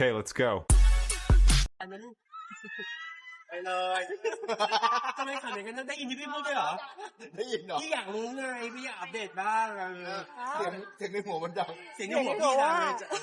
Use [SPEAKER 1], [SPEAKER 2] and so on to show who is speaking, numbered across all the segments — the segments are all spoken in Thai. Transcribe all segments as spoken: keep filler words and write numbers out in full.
[SPEAKER 1] Okay, let's go.
[SPEAKER 2] อันนั้นไปเลยทำไมขนาดนั้นได้ยินที่พี่พูดด้วยเหรอ
[SPEAKER 3] ได้ยินเหรอ
[SPEAKER 2] พี่อยากรู้ไงพี่อยากอัปเดตบ้างเออ
[SPEAKER 3] เสียงเสียงในหัวมันดัง
[SPEAKER 2] เสียงในหัวพี่ดังเลยจะ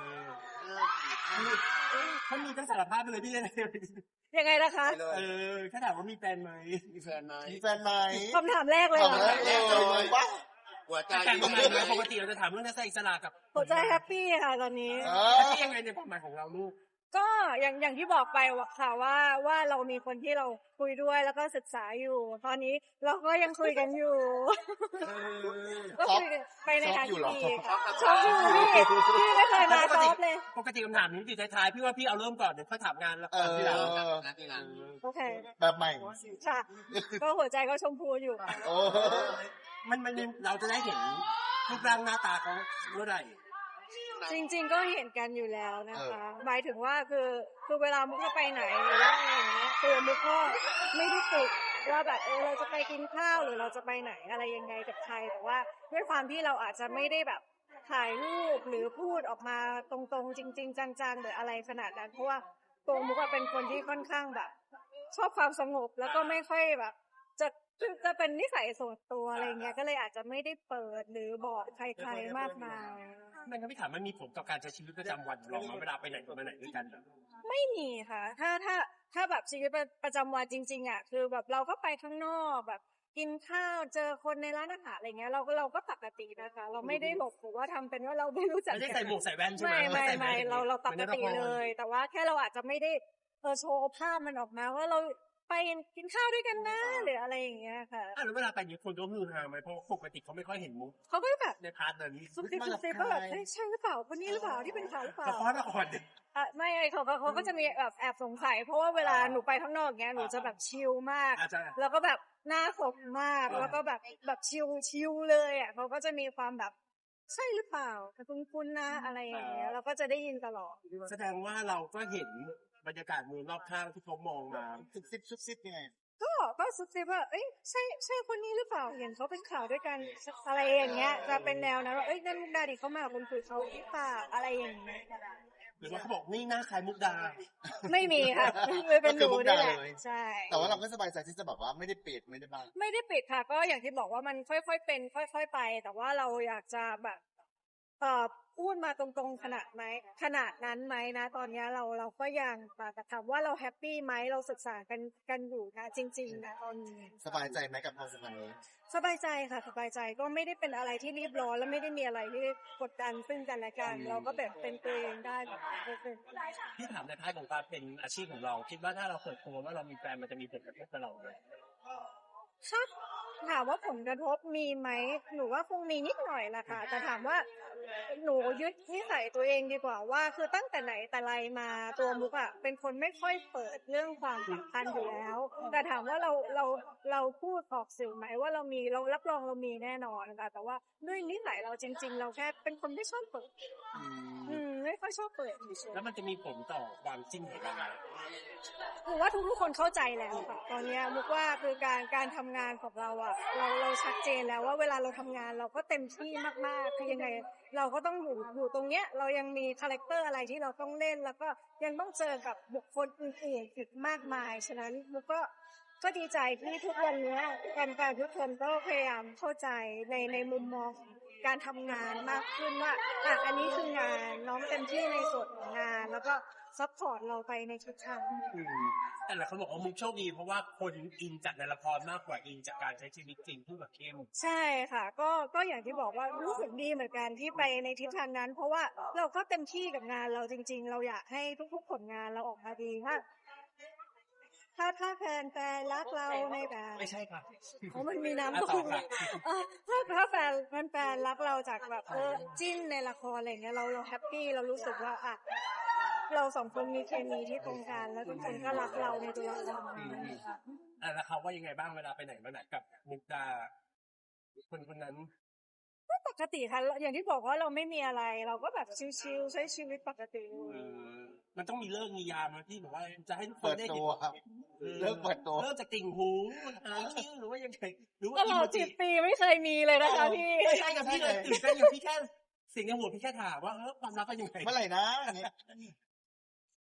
[SPEAKER 2] เขามีต้องสารภาพไปเลยพี่เลย
[SPEAKER 4] ยังไงนะคะ
[SPEAKER 2] เออแค่ถามว่ามีแฟนไหม
[SPEAKER 3] มีแฟนไหมมีแฟนไหม
[SPEAKER 4] คำถามแรกเลยเหรอ
[SPEAKER 3] ทำแรกเลยปะ
[SPEAKER 2] หัวใจแต่งงานไหมปกติเราจะถามเรื่องนักแสดงอิสระกับ
[SPEAKER 4] หัวใจแฮปปี้ค่ะตอนนี้
[SPEAKER 3] เอ
[SPEAKER 2] แฮป
[SPEAKER 3] อ
[SPEAKER 2] ปี้ยังไงในความหมายของเราลูก
[SPEAKER 4] ก็อย่างอย่างที่บอกไปค่ะว่าว่าเรามีคนที่เราคุยด้วยแล้วก็ศึกษาอยู่ ตอนนี้เราก็ยังคุยกันอยู่ ก็คุยกันไปในทางที่ดีค่ะชอบอยู่พี่พี่ไม่เคยมาซอฟเลย
[SPEAKER 2] ปกติคำถามนี้อยู่ท้ายๆพี่ว่าพี่เอาเริ่มก่อนเดี๋ยวค่อยถามงานแล้ว
[SPEAKER 3] เอ
[SPEAKER 2] ก่อนที่เรา
[SPEAKER 3] อ
[SPEAKER 4] โอเค
[SPEAKER 3] แบบใหม่
[SPEAKER 4] ค่ะ ก็หัวใจก็ชมพูอยู่
[SPEAKER 3] โอ้
[SPEAKER 2] มันมันเราจะได้เห็นรูปร่างหน้าตาเขาเมื่อไหร่
[SPEAKER 4] จริงๆก็เห็นกันอยู่แล้วนะคะหมายถึงว่าคือคือเวลามุกจะไปไหนหรือว่าอะไรอย่างเงี้ยคือมุกก็ไม่ได้ติดว่าแบบเออเราจะไปกินข้าวหรือเราจะไปไหนอะไรยังไงกับใครแต่ว่าด้วยความที่เราอาจจะไม่ได้แบบถ่ายรูปหรือพูดออกมาตรงๆจริงๆจังๆหรืออะไรขนาดนั้นเพราะว่าตัวมุกอะเป็นคนที่ค่อนข้างแบบ ชอบความสงบแล้วก็ไม่ค่อยแบบ จะจะเป็นนิสัยส่วนตัวอะไรเงี้ยก็เลยอาจจะไม่ได้เปิดหรือบอกใครๆมากมาย
[SPEAKER 2] มันก็ไม่ถามมันมีผลต่อการใช้ชีวิตประจำวันของเราไหมเวลาไปไหนมาไหนด้วยกัน
[SPEAKER 4] ไม่มีค่ะ ถ้าถ้าถ้าแบบชีวิตประจำวันจริงๆอ่ะคือแบบเราก็ไปข้างนอกแบบกินข้าวเจอคนในร้านอาหารอะไรเงี้ยเราก็เราก็ปกตินะคะ เราไม่ได้หลบหรือว่าทำเป็นว่าเราไม่รู้จัก
[SPEAKER 2] ไม่ได้ใส่หมวกใส่แว่นใช่ไหม
[SPEAKER 4] ไม่ไม่ไม่เราเราปกติ
[SPEAKER 2] หมือนใน
[SPEAKER 4] เล
[SPEAKER 2] ละคร
[SPEAKER 4] ย แต่ว่าแค่เราอาจจะไม่ได้เออโชว์ภาพมันออกมาว่าเราไปกินข้าวด้วยกันนะหรืออะไรอย่างเงี้ยค่ะ
[SPEAKER 2] อ่ะแล้วเวลาไปเนี่ยคนก็มือฮาไหมเพราะปกติเขาไม่ค่อยเห็นมุก
[SPEAKER 4] เขาก็แบบ
[SPEAKER 2] ในพาร์ทนั้น
[SPEAKER 4] ซุบซิบซุบซิบก็แบบเอ้ยใช่หรือเปล่าคนนี้หรือเปล่าที่เป็นข่าวหรือเปล่า
[SPEAKER 2] ละครละคร
[SPEAKER 4] อ่ะไม่เขาเขาเขาก็จะมีแบบแอบสงสัยเพราะว่าเวลาหนูไปข้างนอกเงี้ยหนูจะแบบชิลมาก
[SPEAKER 2] อาจจะ
[SPEAKER 4] แล้วก็แบบหน้าสดมากแล้วก็แบบแบบชิลชิลเลยอ่ะเขาก็จะมีความแบบใช่หรือเปล่าคุ้นๆนะอะไรอย่างเงี้ยเราก็จะได้ยินตลอด
[SPEAKER 2] แสดงว่าเราก็เห็นบรรยากาศมือรอบข้างที่เขามองมา
[SPEAKER 3] ซุบซิบซุบซิบยังไง
[SPEAKER 4] ก็ก็ซุบซิบว่าเอ้ยใช่ใช่คนนี้หรือเปล่าเห็นเขาเป็นข่าวด้วยกันอะไรอย่างเงี้ยจะเป็นแนวนั้นว่าเอ้ยนั่นมุกดาดิเขามากับคนคุยเขาหรือเปล่าอะไรอย่างเงี้ย
[SPEAKER 2] หรือว่าเขาบอกนี่หน้าคล้ายมุกดา
[SPEAKER 4] ไม่มีค่ะไม่เป็นหนูนี่แหละใช่
[SPEAKER 3] แต่ว่าเราก็สบายใจที่จะแบบว่าไม่ได้ปิดไม่ได้บัง
[SPEAKER 4] ไม่ได้ปิดค่ะก็อย่างที่บอกว่ามันค่อยๆเป็น ค่อยๆไป แต่ว่าเราอยากจะแบบเอ่อพูดมาตรงๆขนาดไหมขนาดนั้นไหมนะตอนนี้เราเราก็ยังแต่ถามว่าเราแฮปปี้ไหมเราศึกษากันกันอยู่นะจริงๆนะตอนนี้
[SPEAKER 3] สบายใจไหมกับความสัมพันธ์นี้
[SPEAKER 4] สบายใจค่ะสบายใจก็ไม่ได้เป็นอะไรที่รีบร้อนและไม่ได้มีอะไรที่กดดันซึ่งกันและกันเราก็แบบเป็นตัวเองได้แบบเป็น
[SPEAKER 2] ที่ถามในพาร์ทของการเป็นอาชีพของเรา คิดว่าถ้าเราเปิดตัวว่าเรามีแฟนมันจะมีผลกระทบกับเราไหม
[SPEAKER 4] ครับถามว่าผลกระทบมีไหมหนูว่าคงมีนิดหน่อยแหละค่ะแต่ถามว่าหนูยึดนิสัยตัวเองดีกว่าว่าคือตั้งแต่ไหนแต่ไรมาตัวมุกอะเป็นคนไม่ค่อยเปิดเรื่องความสัมพันธ์อยู่แล้ว แต่ถามว่าเราเราเราพูดออกสื่อไหมว่าเรามีเรารับรองเรามีแน่นอนค่ะแต่ว่าด้วยนิสัยเราจริง ๆ เราแค่เป็นคนไม่ชอบเปิดอืมไม่ค่อยชอบเปิดเฉยๆ
[SPEAKER 2] แล้วมันจะมีผลต่อความจิ้นของเราไหม
[SPEAKER 4] หรือว่าทุกๆคนเข้าใจแล้วค่ะตอนนี้มุกว่าคือการการทำงานของเราอ่ะเราเราชัดเจนแล้วว่าเวลาเราทำงานเราก็เต็มที่มากๆคือยังไงเราก็ต้องอยู่อยู่ตรงเนี้ยเรายังมีคาแรคเตอร์อะไรที่เราต้องเล่นแล้วก็ยังต้องเจอกับบุคคลอื่นๆอีกมากมายฉะนั้นมุกก็ก็ดีใจที่ทุกวันนี้แฟนๆทุกคนก็พยายามเข้าใจในในมุมมองการทำงานมากขึ้นว่าอ่ะอันนี้คืองานน้องเต็มที่ในส่วนของงานแล้วก็ซัพพอร์ตเราไปในทุกทาง
[SPEAKER 2] อืมแต่หลายคนบอกว่ามุกโชคดีเพราะว่าคนอินจากในละครมากกว่าอินจากการใช้ชีวิตจริงที่แบบเข้ม
[SPEAKER 4] ใช่ค่ะ ก็ก็อย่างที่บอกว่ารู้สึกดีเหมือนกันที่ไปในทิศทางนั้น เพราะว่าเราก็เต็มที่กับงานเราจริง ๆ เราอยากให้ทุกๆผลงานเราออกมาดีค่ะถ้าถ้าแฟนแฟนรักเราในแบบ
[SPEAKER 2] ไม่ใช่ค่ะ
[SPEAKER 4] เพราะมันมีน้ำ
[SPEAKER 2] อ่ะ
[SPEAKER 4] ต
[SPEAKER 2] ต่อก ค่ะ
[SPEAKER 4] เออถ้าถ้าแฟนแฟนแฟนรักเราจากแบบเออจิ้นในละครอะไรเงี้ยเราเราแฮปปี้เรารู้สึกว่าอ่ะเราสองคนมีเคมีที่ตรงกันแล้วทุกคนก็รักเราในตัวเรา
[SPEAKER 2] อืมอ่ะแล้วเขาว่ายังไงบ้างเวลาไปไหนมาไหนกับมุกดาคนคนนั้น
[SPEAKER 4] ปกติค่ะอย่างที่บอกว่าเราไม่มีอะไร เราก็แบบชิลๆใช้ชีวิตปกติ
[SPEAKER 2] เออมันต้องมีเลิกมียามนะที่แบบว่าจะให้ทุกค
[SPEAKER 3] เปิ
[SPEAKER 2] น
[SPEAKER 3] ด
[SPEAKER 2] ได้
[SPEAKER 3] ตั
[SPEAKER 2] เห็น
[SPEAKER 3] วครับ เลิกเปิดตัว
[SPEAKER 2] เริ่มจากติ่งหูหางคิ้วหรือว่ายังไงหรือว่า
[SPEAKER 4] ตลอด
[SPEAKER 2] จิ
[SPEAKER 4] สิบปีไม่เคยมีเลยนะคะพี่
[SPEAKER 2] ไม่ใช่กับพี่เลยตื่นเต้นอย่างพี่แค่เสิ่งในหัวพี่แค่ถามว่าเออความรักเป็นยังไง
[SPEAKER 3] เมื่อไหร่นะอันนี้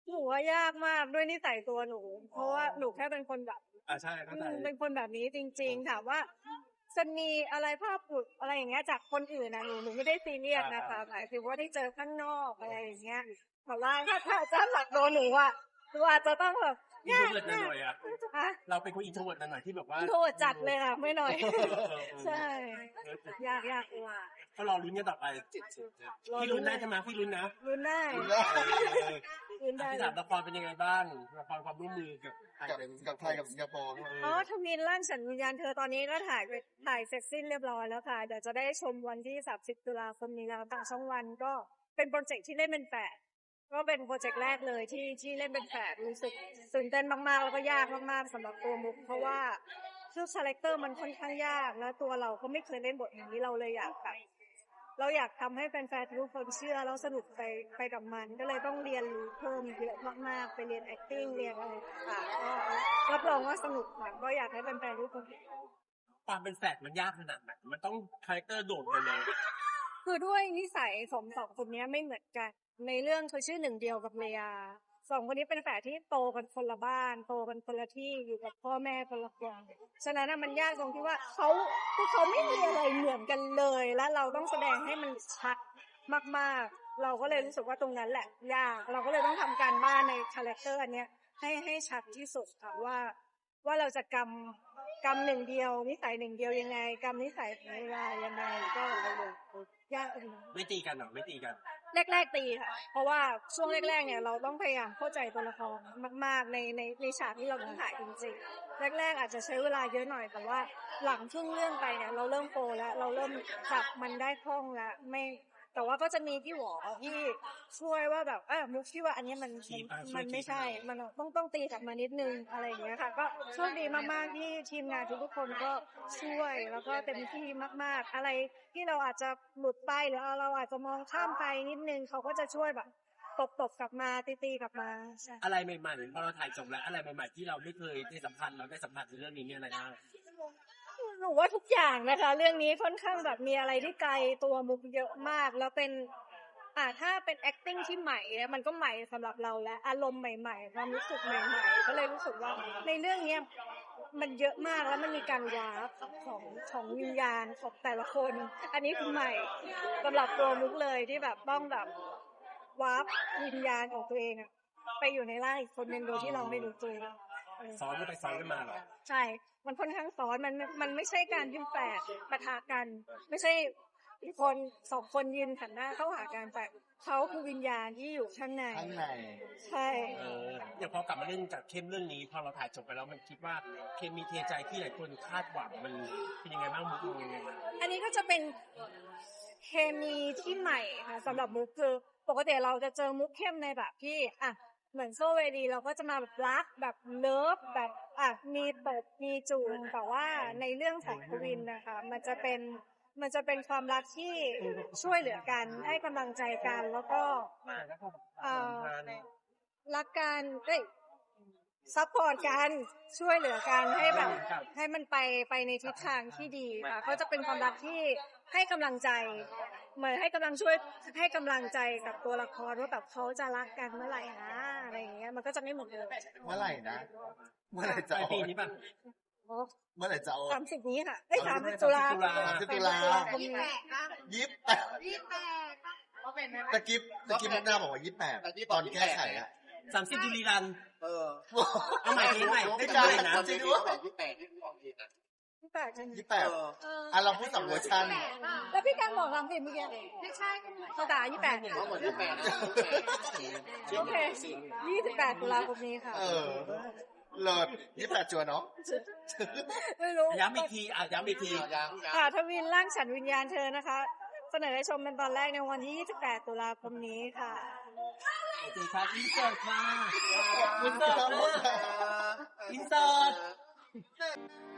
[SPEAKER 4] หนูว่ายากมากด้วยนิสัยตัวหนู เพราะว่าหนูแค่เป็นคนแบบ
[SPEAKER 2] อ่าใช่เข้าใจ
[SPEAKER 4] อืมเป็นคนแบบนี้จริง ๆ ถามว่าจะมีอะไรภาพหลุดอะไรอย่างเงี้ยจากคนอื่นนะหนูหนูไม่ได้ซีเรียสนะคะหมายถึงว่าที่เจอข้างนอกอะไรอย่างเงี้ยแต่ว่าถ้าถ้าถ้าหลักโดนหนูอ่ะหนูอาจจะต้องแบบ
[SPEAKER 2] อินโทรเวิร์ดหน่อยๆอ่ะ
[SPEAKER 4] ฮะ
[SPEAKER 2] เราเป็นคนอินโทรเวิร์ดหน่อยๆที่แบบว่า
[SPEAKER 4] โทษจัดเลยค่ะไม่หน่อย
[SPEAKER 2] เออเออเออ
[SPEAKER 4] ใช่ ยากยากว่า
[SPEAKER 2] ก็รอลุ้นกันต่อไปพี่ลุ้นได้ใช่ไหมพี่ลุ้นนะ
[SPEAKER 4] รุนได้
[SPEAKER 3] แล้ว
[SPEAKER 4] รุนได้
[SPEAKER 2] พี่ถามละครเป็นยังไงบ้างละครความร่วมมือกับไทย
[SPEAKER 3] กับ
[SPEAKER 2] เป็น
[SPEAKER 3] กับไทยกับสิงคโปร์
[SPEAKER 4] อ๋อทวินร่างฉันวิญญาณเธอตอนนี้ก็ถ่ายไปถ่ายเสร็จสิ้นเรียบร้อยแล้วค่ะเดี๋ยวจะได้ชมวันที่สามสิบตุลาคมนี้แล้วทางช่องวันก็เป็นโปรเจกต์ที่เล่นเป็นแฝดก็เป็นโปรเจกต์แรกเลยที่ที่เล่นเป็นแฝดรู้สึกตื่นเต้นมากๆแล้วก็ยากมากๆสำหรับตัวมุกเพราะว่าชื่อคาแรคเตอร์มันค่อนข้างยากแล้วตัวเราก็ไม่เคยเล่นบทอย่างนี้เราเลยอยากแบบเราอยากทำให้แฟนๆทุกคนเชื่อแล้วสนุกไปไปกับมันก็เลยต้องเรียนรู้เพิ่มเยอะมากๆไปเรียน acting เรียนอะไรต่างๆก็รับรองว่าสนุกค่ะก็อยากให้แฟนๆทุกคน
[SPEAKER 2] ความเป็นแฝดมันยากขนาดไหนมันต้องคาแรคเตอร์โดดไปเลย
[SPEAKER 4] คือด้วยนิสัยของสองคนนี้ไม่เหมือนกัน ในเรื่องคือชื่อหนึ่งเดียวกับเลียสองคนนี้เป็นแฝดที่โตกันคนละบ้านโตกันคนละที่อยู่กับพ่อแม่คนละคนฉะนั้นน่ะมันยากตรงที่ว่าเขาคือเขาไม่มีอะไรเหมือนกันเลย และเราต้องแสดงให้มันชัดมากๆ เราก็เลยรู้สึกว่าตรงนั้นแหละยากเราก็เลยต้องทำการบ้านในคาแรคเตอร์อันเนี้ยให้ให้ชัดที่สุดค่ะว่า ว่าเราจะกำกำหนึ่งเดียวนิสัยหนึ่งเดียวยังไงกำนิสัยของเวลายังไงก็ยากอยู่นะ
[SPEAKER 2] ไม่ตีกันหรอไม่ตีกัน
[SPEAKER 4] แรกๆตีค่ะ เพราะว่าช่วงแรกๆเนี่ยเราต้องพยายามเข้าใจตัวละครมากๆในในในฉากที่เราต้องถ่ายจริงๆแรกๆอาจจะใช้เวลาเยอะหน่อยแต่ว่าหลังครึ่งเรื่องไปเนี่ยเราเริ่มโปรแล้วเราเริ่มจับมันได้คล่องแล้วไม่แต่ว่าก็จะมีพี่หวอที่ช่วยว่าแบบเออมุกที่ว่าอันนี้มันมันมันไม่ใช่มันต้องต้องตีกลับมานิดนึงอะไรอย่างเงี้ยค่ะก็โชคดีมากๆที่ทีมงานทุกๆคนก็ช่วยแล้วก็เต็มที่มากๆอะไรที่เราอาจจะหลุดไปหรือเราอาจจะมองข้ามไปนิดนึงเขาก็จะช่วยแบบตบตบกลับมาตีตีกลับมาใช่
[SPEAKER 2] อะไรใหม่ๆพอเราถ่ายจบแล้วอะไรใหม่ๆที่เราไม่เคยได้สัมผัสเราได้สัมผัสในเรื่องนี้เนี่ยอะไรบ้าง
[SPEAKER 4] หนูว่าทุกอย่างนะคะเรื่องนี้ค่อนข้างแบบมีอะไรที่ไกลตัวมุกเยอะมากแล้วเป็นอ่าถ้าเป็น acting ที่ใหม่เนี่ยมันก็ใหม่สำหรับเราและอารมณ์ใหม่ๆความรู้สึกใหม่ๆก็เลยรู้สึกว่าในเรื่องเนี้ยมันเยอะมากแล้วมันมีการวาร์ปของของวิญญาณของแต่ละคน อันนี้คือใหม่สำหรับตัวมุกเลยที่แบบต้องแบบวาร์ปวิญญาณของตัวเองอะไปอยู่ในร่างอีกคนนึงโดยที่เราไม่รู้ตัวเออ
[SPEAKER 2] ซ้อนกันไปซ้อนกันมาเหรอ
[SPEAKER 4] ใช่ มันค่อนข้างซ้อน มัน มันไม่ใช่การยืนแฝดปะทะกัน ไม่ใช่คนสองคนยืนหันหน้าเข้าหากันแต่เขาคือวิญญาณที่อยู่ข้างใน
[SPEAKER 3] ข้างใน
[SPEAKER 4] ใช่
[SPEAKER 2] เอออย่างพอกลับมาเล่นจากเข้มเรื่องนี้พอเราถ่ายจบไปแล้วมันคิดว่าเคมีเทใจที่หลายคนคาดหวังมันเป็นยังไงบ้างมุกมองยังไงบ้าง
[SPEAKER 4] อันนี้ก็จะเป็นเคมีที่ใหม่ค่ะสำหรับมุกคือปกติเราจะเจอมุกเข้มในแบบที่อ่ะเหมือนโซเวดีเราก็จะมาแบบรักแบบเลิฟแบบอ่ะมีตบมีจูบแต่ว่าในเรื่องของกวินนะคะมันจะเป็นมันจะเป็นความรักที่ช่วยเหลือกันให้กำลังใจกันแล้วก็เอ่อรักกันเอ้ยซัพพอร์ตกันช่วยเหลือกันให้แบบให้มันไปไปในทิศทางที่ดีค่ะเขาจะเป็นความรักที่ให้กำลังใจเหมือนให้กำลังช่วยให้กำลังใจกับตัวละครว่าแบบเขาจะรักกันเมื่อไหร่นะอะไรอย่างเงี้ยมันก็จะไม่เหมือนเดิม
[SPEAKER 3] เมื่อไหร่นะ เมื่อไหร่
[SPEAKER 2] ป
[SPEAKER 3] จะ
[SPEAKER 2] ลาย
[SPEAKER 3] ออ
[SPEAKER 2] ปี
[SPEAKER 3] ก
[SPEAKER 2] นี้ป่ะ
[SPEAKER 3] เมื่อไหร่จะออก
[SPEAKER 4] สามสิบนี้ค่ะเอ้ยสามสิบตุลา
[SPEAKER 3] สามสิบตุลา
[SPEAKER 4] คมนี้
[SPEAKER 3] ยี่สิบแปดตะกิบตะกิบหน้าบอกว่ายี่สิบแปดตอนแก้ไขอะ
[SPEAKER 2] สามสิบบุรีรัน
[SPEAKER 3] เออ
[SPEAKER 2] เอาใหม่ทีใหม่ได้
[SPEAKER 3] ไม่
[SPEAKER 2] จำ
[SPEAKER 3] ได้
[SPEAKER 2] เลยนะ
[SPEAKER 3] จริงด้วย
[SPEAKER 1] ยี่สิบแปดที่ออกเองอ่ะ
[SPEAKER 4] พี่แปดจัง
[SPEAKER 3] ยี่สิบแปดอ่ะเราพูดสองเวอร์ชัน
[SPEAKER 4] แล้วพี่การบอกสามสิบเมื่อกี้ไม่ใช่เขาด่ายี่สิบแปด
[SPEAKER 1] เขาหมดยี่สิบแปด
[SPEAKER 4] โอเคยี่สิบแปดตุลาคมนี้ค่ะ
[SPEAKER 3] เออเลิศยี่สิบแปดจัวเนาะ
[SPEAKER 4] ไม่รู้
[SPEAKER 2] ย้ำอีกทีอ่ะย้ำอีกที
[SPEAKER 1] ยัง
[SPEAKER 4] ค่ะทวินร่างฉันวิญญาณเธอนะคะ เสนอให้ชมเป็นตอนแรกในวันที่ยี่สิบแปดตุลาคมนี้ค่ะ
[SPEAKER 2] โอเคครับอินเสิร์ตมาอินเสิร์ตมาอินเสิร์ต